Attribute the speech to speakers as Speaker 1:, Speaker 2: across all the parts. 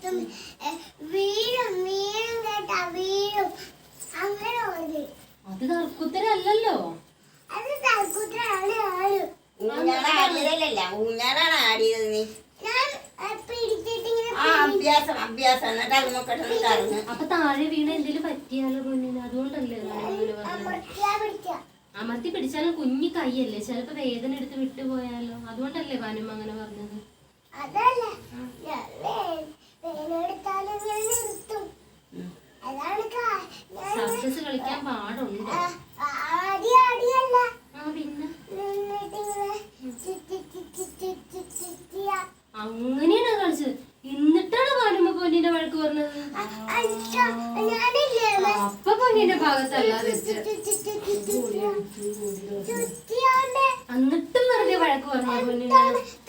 Speaker 1: അത് തർക്കുത്തരല്ലോ.
Speaker 2: ഊഞ്ഞാലാണ് ആടിയത് നീ.
Speaker 1: അപ്പൊ താഴെ വീണ എന്തേലും പറ്റിയാലോ കുഞ്ഞിന്? അതുകൊണ്ടല്ലേ അമർത്തി പിടിച്ചാലും കുഞ്ഞി കൈയല്ലേ, ചിലപ്പോ വേദന എടുത്ത് വിട്ടുപോയാലോ? അതുകൊണ്ടല്ലേ ഭാനുമ്മ അങ്ങനെ പറഞ്ഞത്? സർക്കസ് കളിക്കാൻ പാടുണ്ട്. പിന്നെ അങ്ങനെയാണ് കളിച്ചത്. എന്നിട്ടാണ് ഭാനുമ്മ പൊന്നിന്റെ വഴക്ക് പറഞ്ഞത്. അപ്പൊ പൊന്നിന്റെ ഭാഗത്തല്ലാതെ എന്നിട്ടും വെറുതെ വഴക്ക് പറഞ്ഞ പൊന്നിനെ.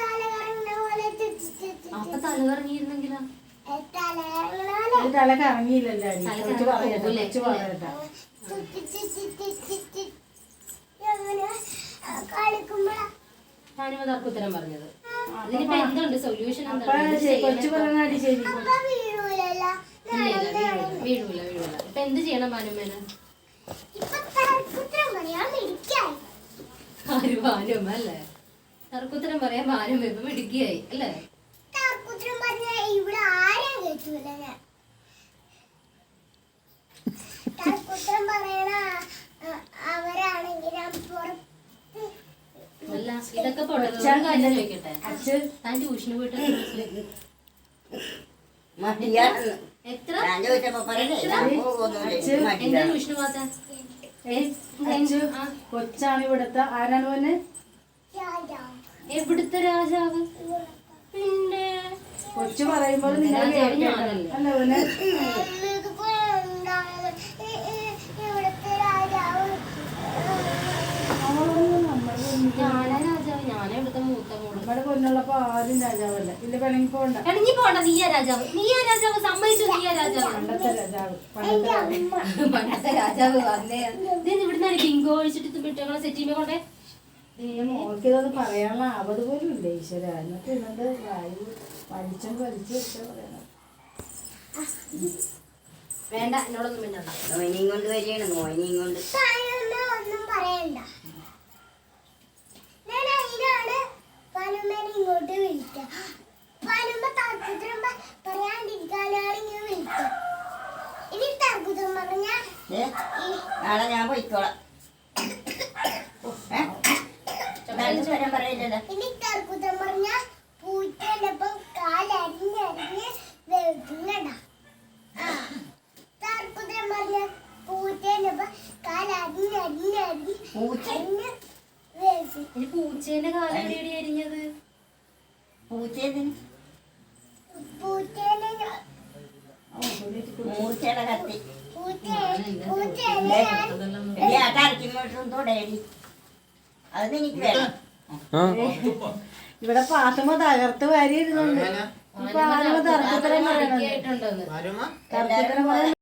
Speaker 1: അപ്പൊ തല കറങ്ങിയിരുന്നെങ്കിലോ?
Speaker 3: തല കറങ്ങിയില്ലല്ലോ.
Speaker 1: ഭാനുമ്മ തർക്കുത്തരം പറഞ്ഞത്. ഇതിനിപ്പോ എന്തുണ്ട് സൊല്യൂഷൻ? വീഴൂല. ഇപ്പൊ എന്ത് ചെയ്യണം ഭാനുമ്മേനെ? ആര്? ഭാനുമ്മ അല്ലേ? തർക്കുത്തരം പറയാൻ ഭാനുമ്മ ഇപ്പൊ മിടുക്കിയായി അല്ലേ? അല്ല, ഇതൊക്കെ കാര്യം ചോദിക്കട്ടെ. താൻ ട്യൂഷന് പോയിട്ട് എത്ര എന്താ ട്യൂഷന് പോകാത്ത?
Speaker 3: കൊച്ചാണ് ഇവിടുത്തെ. ആരാണ് പോന്നെ?
Speaker 1: എവിടുത്തെ രാജാവ്? പിന്നെ
Speaker 3: കൊച്ചു പറയുമ്പോൾ അല്ല പോന്നെ.
Speaker 1: ഞാനാ രാജാവ്. ഞാനാ ഇവിടുത്തെ മൂത്ത മോള്.
Speaker 3: നമ്മുടെ പൊന്നുള്ളപ്പോ ആരും രാജാവല്ല. ഇല്ല പിണങ്ങി പോണ്ട.
Speaker 1: പിണങ്ങി പോണ്ട. നീയാ രാജാവ്. സമ്മതിച്ചു. നീയാ രാജാവ്.
Speaker 3: പണ്ടത്തെ രാജാവ്.
Speaker 1: പണ്ടത്തെ രാജാവ് വന്നേ. ഇവിടുന്ന് ബിങ്കോ ഒഴിച്ചിട്ട് വിട്ടങ്ങളെ സെറ്റ് ചെയ്യുമ്പോ കൊണ്ടേ.
Speaker 3: മോൾക്കിതൊന്ന് പറയാനുള്ള ആവത് പോലും ഇല്ല ഈശ്വര. എന്നിട്ട് ഇന്നത് വായു വലിച്ചു വെച്ചാ പറയണത്.
Speaker 1: വേണ്ട, എന്നോടൊന്നും വേണ്ട.
Speaker 2: മോയിനെയും കൊണ്ട് വരികയാണ്. മോയിനെയും കൊണ്ട്
Speaker 4: ഒന്നും പറയണ്ട. ഇങ്ങോട്ട് വിളിക്കാം. പറയാണ്ടിരിക്കാനാണ് ഇങ്ങനെ വിളിക്കാം. ഇനി തർക്കുത്തരം പറഞ്ഞ
Speaker 2: നാളെ ഞാൻ പോയിക്കോളാം.
Speaker 4: ഇനി തർക്കുത്തരം പറഞ്ഞ പൂച്ചേനൊപ്പം കാലരിഞ്ഞരിഞ്ഞ് വെക്കുന്നടാ. തർക്കുത്തരം പറഞ്ഞ പൂച്ചേനൊപ്പം കാലരിഞ്ഞരിഞ്ഞരിഞ്ഞ്
Speaker 1: പൂച്ചേന്റെ കാലം എവിടെ അരിഞ്ഞത്?
Speaker 2: മൂർച്ചയുടെ കത്തി അത് എനിക്ക് വേണം.
Speaker 3: ഇവിടെ പാത്തുമ്മ തകർത്ത് വാരി ഇരുന്നുണ്ട്. തർക്കുത്തരം പറയണത്.